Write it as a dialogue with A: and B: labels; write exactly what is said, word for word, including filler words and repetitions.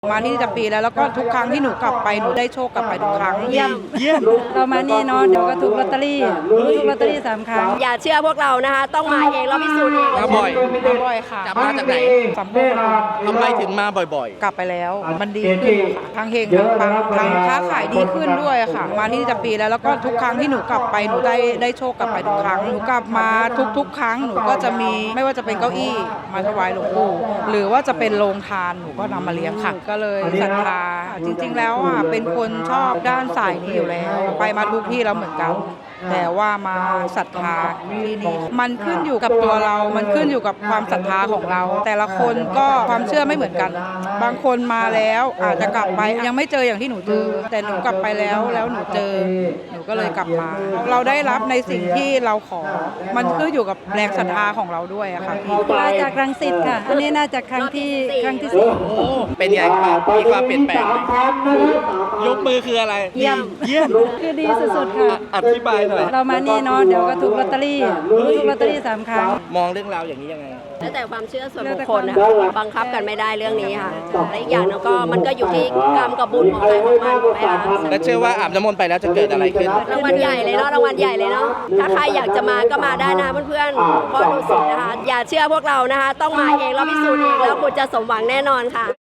A: มาที่จะปีแล้วแล้วก็ทุกครั้งที่หนูกลับไปหนูได้โชคกลับไปทุกครั้ง
B: เยี่ยมเยี่ยมเรามานี่เนาะเดี๋ยวก็ถูกลอตเตอรี่ถูกลอตเตอรี่สามครั้ง
C: อย่าเชื่อพวกเรานะคะต้องมาเองแล้วพิสูจน์เอง
D: มาบ่อย
A: มาบ่อยค่ะ
D: กลับมาจากไหน
A: สำโรง
D: ทำไมถึงมาบ่อย
A: กลับไปแล้วมันดีขึ้นค่ะทั้งเฮงทั้งปังทั้งค้าขายดีขึ้นด้วยค่ะ มาที่จะปีแล้วแล้วก็ทุกครั้งที่หนูกลับไปหนูได้ได้โชคกลับไปทุกครั้งหนูกลับมาทุกๆ ครั้งหนูก็จะมีไม่ว่าจะเป็นเก้าอี้มาถวายหลวงปู่หรือว่าจะเป็นโรงทานหนูก็นำมาเลี้ยงค่ะก็เลยศรัทธาจริงๆแล้วอ่ะเป็นคนชอบด้านสายนี้อยู่แล้ว ไปมาทุกที่แล้วเหมือนกันแต่ว่ามาศรัทธาที่นี่มันขึ้นอยู่กับตัวเรา มันขึ้นอยู่กับความศรัทธาของเรา แต่ละคนก็ความเชื่อไม่เหมือนกัน บางคนมาแล้วอาจจะกลับไปยังไม่เจออย่างที่หนูเจอ แต่หนูกลับไปแล้วแล้วหนูเจอ หนูก็เลยกลับมา เราได้รับในสิ่งที่เราขอ มันขึ้นอยู่กับแรงศรัทธาของเราด้วยอะค่ะพี่
B: มาจากรังสิตค่ะ อันนี้น่าจะครั้งที่ครั้งที่สี่
D: ๆ โอ้ เป็นไงครับมีความเปลี่ยนแปลงไหมยกมือคืออะไร
B: เยี่ยม
D: เยี่ยม
B: คือดีสุดๆค่ะ
D: อธิบายหน่อย
B: เรามานี่เนาะเดี๋ยวก็ถูกลอตเตอรี่ถูกลอตเตอรี่สามครั้ง
D: มองเรื่องราวอย่างนี้ยังไง
C: แล้วแต่ความเชื่อส่วนบุคคลนะคะบังคับกันไม่ได้เรื่องนี้ค่ะและอีกอย่างหนึงก็มันก็อยู่ที่กรรมกับบุญของใครของมันถูกไหมคะ
D: และเชื่อว่าอาบน้ำมนต์ไปแล้วจะเกิดอะไรขึ้น
C: รางวัลใหญ่เลยเนาะรางวัลใหญ่เลยเนาะถ้าใครอยากจะมาก็มาได้นะเพื่อนๆเพราะดูสินะคะอย่าเชื่อพวกเรานะคะต้องมาเองแล้วพิสูจน์เองแล้วคุณจะสมหวังแน่นอนค่ะ